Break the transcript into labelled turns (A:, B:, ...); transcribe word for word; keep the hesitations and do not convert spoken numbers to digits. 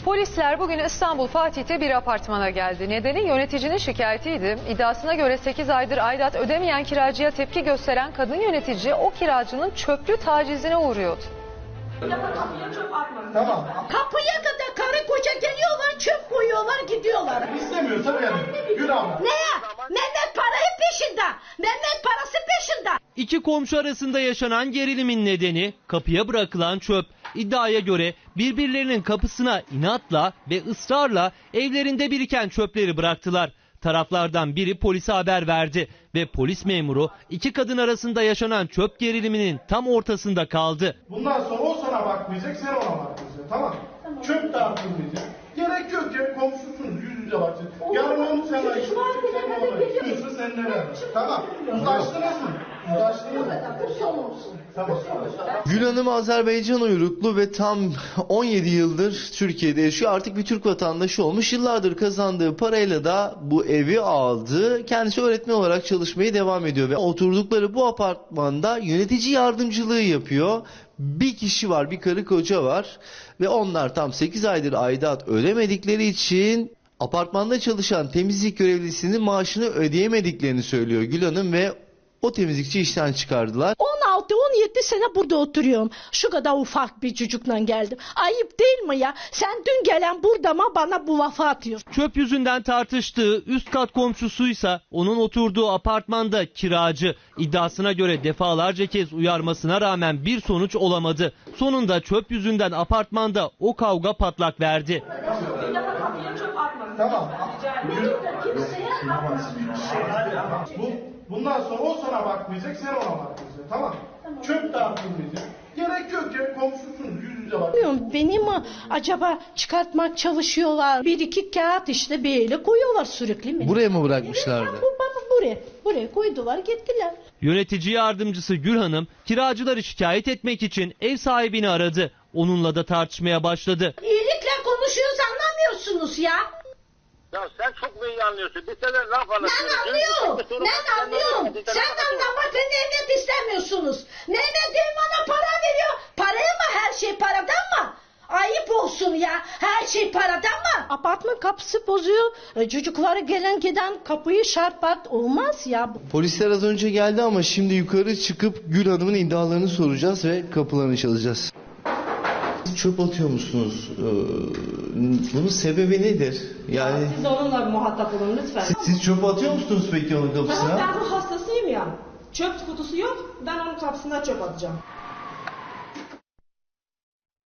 A: Polisler bugün İstanbul Fatih'te bir apartmana geldi. Nedeni yöneticinin şikayetiydi. İddiasına göre sekiz aydır aidat ödemeyen kiracıya tepki gösteren kadın yönetici o kiracının çöplü tacizine uğruyordu.
B: Tamam.
C: Kapıya kadar karı koca geliyorlar, çöp koyuyorlar, gidiyorlar.
B: İstemiyorsa yani. Gül abla.
C: Neye? Mehmet parayı peşinde. Mehmet parası peşinde.
D: İki komşu arasında yaşanan gerilimin nedeni kapıya bırakılan çöp. İddiaya göre birbirlerinin kapısına inatla ve ısrarla evlerinde biriken çöpleri bıraktılar. Taraflardan biri polise haber verdi ve polis memuru iki kadın arasında yaşanan çöp geriliminin tam ortasında kaldı.
B: Bundan sonra o sana bakmayacak, sen ona bakmayacaksın. Tamam. tamam. Çöp dağıtılmayacak. Gerek yok ya, komşusunuz, yüz yüze bakacaksın. Yarın onu sen ayırsın, sen ona ayırsın. Sen ne ver? Tamam. Uzlaştınız mı? Uzlaştınız mı? Tamam.
E: Gül Hanım Azerbaycan uyruklu ve tam on yedi yıldır Türkiye'de yaşıyor. Artık bir Türk vatandaşı olmuş. Yıllardır kazandığı parayla da bu evi aldı. Kendisi öğretmen olarak çalışmaya devam ediyor ve oturdukları bu apartmanda yönetici yardımcılığı yapıyor. Bir kişi var, bir karı koca var ve onlar tam sekiz aydır aidat ödemedikleri için apartmanda çalışan temizlik görevlisinin maaşını ödeyemediklerini söylüyor Gül Hanım ve o temizlikçi işten çıkardılar.
C: on altı on yedi sene burada oturuyorum. Şu kadar ufak bir çocukla geldim. Ayıp değil mi ya? Sen dün gelen burada mı bana bu lafa atıyorsun?
D: Çöp yüzünden tartıştığı üst kat komşusuysa onun oturduğu apartmanda kiracı. İddiasına göre defalarca kez uyarmasına rağmen bir sonuç olamadı. Sonunda çöp yüzünden apartmanda o kavga patlak verdi.
B: Tamam. Bu, bundan sonra o sana bakmayacak, sen ona bakmayacaksın. Tamam. tamam. Çöp dağıtılmayacak. Gerek yok ya, komşusunuz, yüz yüze bakacaksın.
C: Beni mi acaba çıkartmak çalışıyorlar? Bir iki kağıt işte böyle koyuyorlar sürekli mi?
E: Buraya mı bırakmışlardı?
C: Bu bana buraya, buraya koydular gittiler.
D: Yönetici yardımcısı Gül Hanım kiracıları şikayet etmek için ev sahibini aradı. Onunla da tartışmaya başladı.
C: İyilikle konuşuyoruz anlamıyorsunuz ya.
F: Ya sen çok mu iyi anlıyorsun? Bir tane laf anlatıyorsun.
C: Ben anlıyorum. Ben anlıyorum. Sen anlamak ve Mehmet istemiyorsunuz. Mehmet değil bana para veriyor. Paraya mı her şey paradan mı? Ayıp olsun ya. Her şey paradan mı? Apartman kapısı bozuyor. E, çocukları gelen giden kapıyı şarpat olmaz ya.
E: Polisler az önce geldi ama şimdi yukarı çıkıp Gül Hanım'ın iddialarını soracağız ve kapılarını çalacağız. Siz çöp atıyor musunuz? Ee, bunun sebebi nedir? Yani
G: Siz onunla muhatap olun lütfen.
E: siz, siz çöp atıyor musunuz peki onun kapısına?
G: Ben ruh hastasıyım ya. Çöp kutusu yok. Ben onun kapısına çöp atacağım.